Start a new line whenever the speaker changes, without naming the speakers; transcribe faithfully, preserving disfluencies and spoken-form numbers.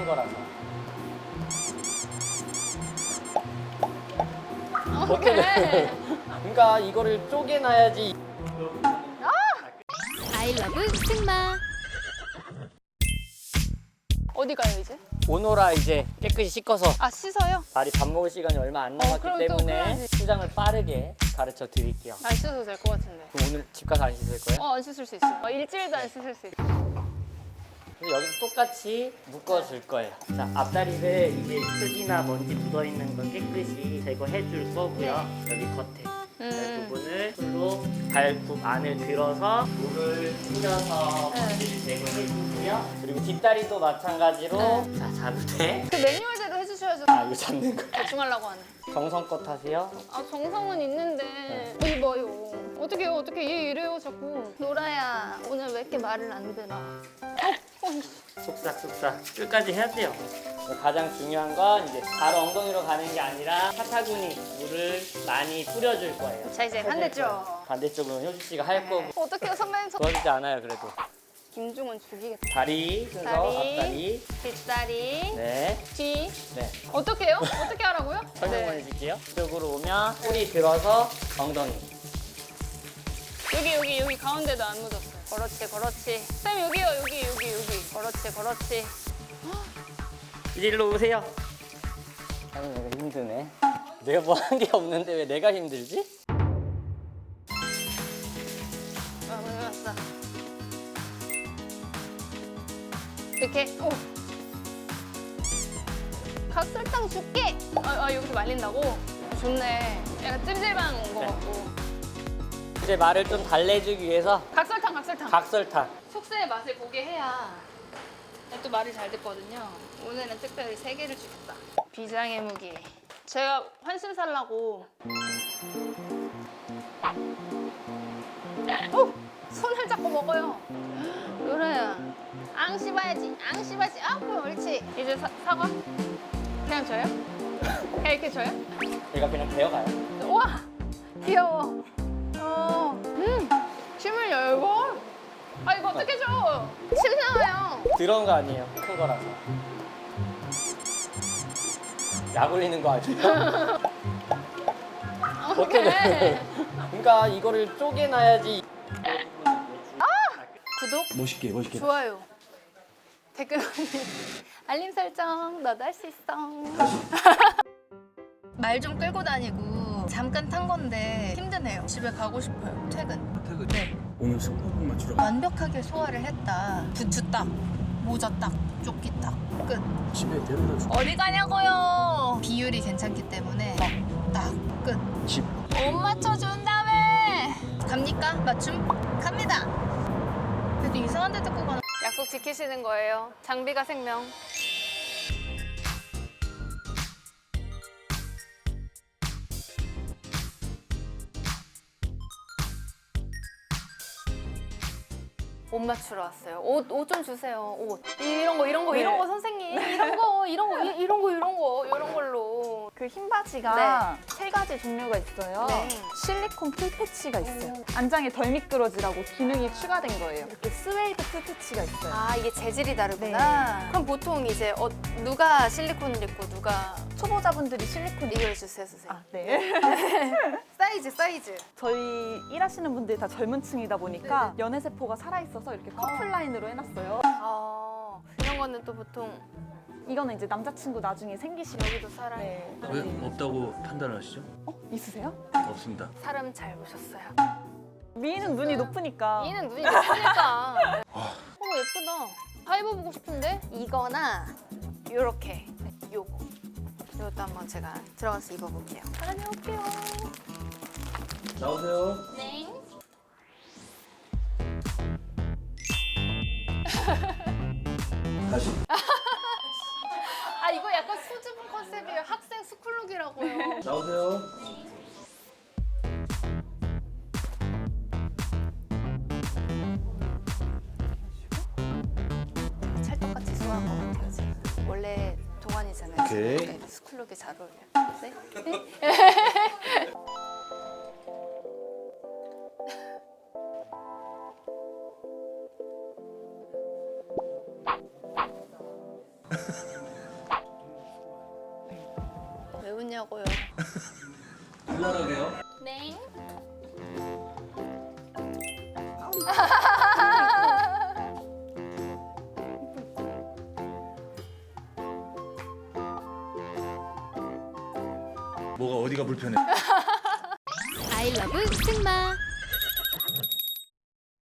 큰 거라서.
오케이.
그러니까 이거를 쪼개놔야지.
아이러브 승마.
어디 가요 이제?
오노라 이제 깨끗이 씻어서
아 씻어요?
발이 밥 먹을 시간이 얼마 안 남았기
그럼 또
때문에
그래야지.
수장을 빠르게 가르쳐 드릴게요.
안 씻어도 될 것 같은데.
그럼 오늘 집 가서 안 씻을 거예요?
어 안 씻을 수 있어요. 어, 일주일도 안 씻을 수 있어요.
근데 여기도 똑같이 묶어줄 거예요. 자, 앞다리를 이제 흙이나 먼지 묻어있는 거 깨끗이 제거해 줄 거고요. 여기 겉에 이
음.
부분을 풀로 발굽 안을 들어서 물을 뿌려서
네.
먼지를 제거해 주고요. 그리고 뒷다리도 마찬가지로
네.
자, 잡으되
그 매뉴얼대로 해주셔야죠.
아, 이거 잡는 거
대충 하려고 하네.
정성껏 하세요.
아 정성은 있는데 어, 이봐요. 어떻게 해요? 어떻게 얘 이래요 자꾸. 노라야 오늘 왜 이렇게 말을 안 들어? 어, 어,
쏙싹쏙싹 끝까지 해야 돼요. 가장 중요한 건 이제 바로 엉덩이로 가는 게 아니라 사타구니 물을 많이 뿌려줄 거예요.
자 이제 반대쪽.
반대쪽은 효주 씨가 할 거고
어떡해요 선배님. 저...
도와주지 않아요 그래도.
김중은 죽이겠다.
다리 순서
다리.
앞다리.
뒷다리.
네.
뒤.
네.
어떻게 해요? 어떻게 하라고요?
설명만
네.
해줄게요. 이쪽으로 오면 꼬리 들어서 엉덩이.
여기 여기 여기 가운데도 안 묻었어요. 그렇지 그렇지. 쌤 여기요 여기 여기 여기. 그렇지 그렇지.
이제 일로 오세요. 아니 내가 힘드네. 내가 뭐 한 게 없는데 왜 내가 힘들지?
아 몰랐어. 이렇게. 오. 각설탕 줄게. 아, 아 여기서 말린다고? 좋네. 약간 찜질방 온 거
네.
같고.
이제 말을 좀 달래주기 위해서
각설탕 각설탕.
각설탕.
속세의 맛을 보게 해야 또 말이 잘 듣거든요. 오늘은 특별히 세 개를 주겠다. 비장의 무기. 제가 환신 살라고. 어! 손을 잡고 먹어요. 노래야. 앙 씹어야지. 앙 씹어야지. 아, 그럼 옳지. 이제 사, 사과? 그냥 줘요? 그냥 이렇게 줘요?
얘가 그냥 배워가요.
우와! 귀여워. 어. 음! 침을 열고? 아, 이거 어떻게 줘? 침 나와요.
들어온 거 아니에요. 큰 거라서. 약 올리는 거 아니에요?
오케이.
그러니까 이거를 쪼개놔야지.
구독,
멋있게 멋있게.
좋아요, 댓글 올리기, 알림 설정 너도 할 수 있어. 말 좀 끌고 다니고 잠깐 탄 건데 힘드네요. 집에 가고 싶어요. 퇴근.
퇴근.
네.
오늘 승부욕 맞추러 가.
완벽하게 소화를 했다. 부츠 딱, 모자 딱, 조끼 딱, 끝.
집에 데려다 줄.
어디 가냐고요? 비율이 괜찮기 때문에 딱, 끝.
집.
못 맞춰준 다음에 갑니까? 맞춤? 갑니다. 그래도 이상한 데 듣고 가는. 약속 지키시는 거예요. 장비가 생명. 옷 맞추러 왔어요. 옷, 옷 좀 주세요. 옷. 이런 거, 이런 거, 이런 거 선생님. 이런 거, 이런 거, 이- 이런 거, 이런 거, 이런 걸로.
그 흰 바지가 세 가지 종류가 있어요.
네.
실리콘 풀 패치가 있어요. 안장에 덜 미끄러지라고 기능이 추가된 거예요. 이렇게 스웨이드 풀 패치가 있어요.
아, 이게 재질이 다르구나. 그럼 보통 이제 어, 누가 실리콘을 입고 누가
초보자분들이 실리콘
이걸 주세요, 선생님.
아, 네.
사이즈, 사이즈.
저희 일하시는 분들이 다 젊은 층이다 보니까 연애 세포가 살아있어서 이렇게 커플 라인으로 해놨어요.
아, 이런 거는 또 보통
이거는 이제 남자친구 나중에 생기시면
여기도 살아요.
네.
왜 없다고 판단하시죠?
어? 있으세요?
없습니다.
사람 잘 보셨어요.
미인은 눈이 높으니까.
얘는 눈이 높으니까. 어머 예쁘다. 다 입어보고 싶은데? 이거나 요렇게 요거. 이것도 한번 제가 들어가서 입어볼게요. 다녀올게요.
나오세요.
네.
다시.
아 이거 약간 수줍은 컨셉이에요. 학생 스쿨룩이라고요.
나오세요.
찰떡같이 소화한 것 같아요 지금. 원래 동안이잖아요.
오케이.
네, 스쿨룩이 잘 어울려요. 네? 거냐고요.
불나가게요.
네.
뭐가 어디가 불편해?
아이러브 승마